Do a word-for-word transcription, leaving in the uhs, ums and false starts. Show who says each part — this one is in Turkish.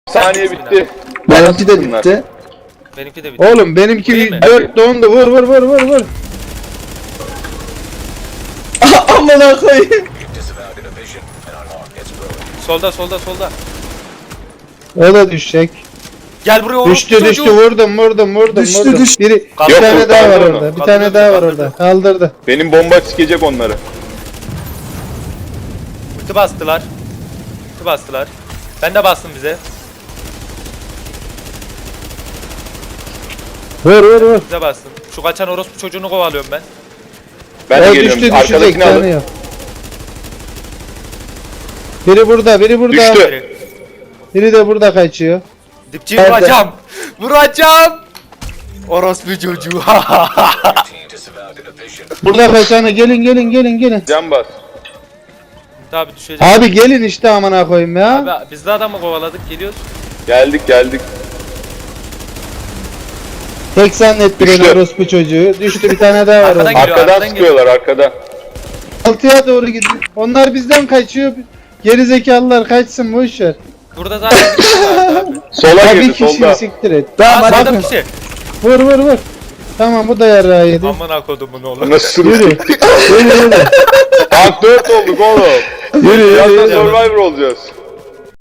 Speaker 1: Saniye bitti.
Speaker 2: Benimki de bitti.
Speaker 3: Benimki de bitti.
Speaker 2: Oğlum benimki
Speaker 3: Değil mi?
Speaker 2: dört dondu. Vur vur vur vur vur. Amına koyayım.
Speaker 3: Solda solda solda.
Speaker 2: O da düşecek.
Speaker 3: Gel buraya oğlum.
Speaker 2: Düştü düştü vurdum vurdum vurdum
Speaker 4: Düştü,
Speaker 2: vurdum.
Speaker 4: düştü.
Speaker 2: Biri bir
Speaker 3: Yok,
Speaker 2: tane daha var
Speaker 1: kaldırdı onu.
Speaker 2: orada. Bir
Speaker 3: Kaldırdı,
Speaker 2: tane daha var
Speaker 3: kaldırdı.
Speaker 2: orada. Kaldırdı.
Speaker 1: Benim bomba sikecek onları.
Speaker 3: Ulti bastılar. Ulti bastılar. Ben de bastım bize.
Speaker 2: Vur vur vur.
Speaker 3: Bize bastım. Şu kaçan orospu çocuğunu kovalıyorum ben.
Speaker 1: Ben de
Speaker 2: O
Speaker 1: geliyorum.
Speaker 2: düştü düşecek
Speaker 1: Arkadakini alın.
Speaker 2: tanıyor. Biri burada biri burada.
Speaker 1: Düştü.
Speaker 2: Biri de burada kaçıyor.
Speaker 3: Dipçiyi
Speaker 2: Nerede?
Speaker 3: vuracağım. Vuracağım. Orospu çocuğu.
Speaker 2: Burada kaçanı gelin gelin gelin gelin.
Speaker 1: Can bas.
Speaker 3: Tabi düşecek.
Speaker 2: Abi gelin işte amına koyayım ya.
Speaker 3: Abi biz de adamı kovaladık geliyoruz.
Speaker 1: Geldik geldik.
Speaker 2: Tek zannetti beni
Speaker 1: Düştü.
Speaker 2: orospu çocuğu. Düştü bir tane daha var
Speaker 3: Arkadan
Speaker 2: orada.
Speaker 3: geliyor,
Speaker 1: Arkadan
Speaker 3: arkadan
Speaker 1: sıkıyorlar arkada.
Speaker 2: Altıya doğru gidiyor. Onlar bizden kaçıyor. Geri zekalılar kaçsın boş ver.
Speaker 3: Burada zaten bir kişi vardı abi.
Speaker 1: Sola
Speaker 2: Ya bir
Speaker 1: girdi
Speaker 2: kişiyi
Speaker 1: solda.
Speaker 2: siktir et.
Speaker 3: Aa,
Speaker 2: Tamam
Speaker 3: sağda
Speaker 2: bakın.
Speaker 3: bir kişi.
Speaker 2: Vur vur vur. Tamam bu da yarrağı yedi.
Speaker 3: Amına kodumun oğlum.
Speaker 1: Nasıl
Speaker 2: Yürü.
Speaker 1: sürüyor?
Speaker 2: Yürü yürü.
Speaker 1: Tank dört olduk oğlum.
Speaker 2: Yürü yürü
Speaker 1: Birazdan
Speaker 2: yürü.
Speaker 1: Survivor olacağız.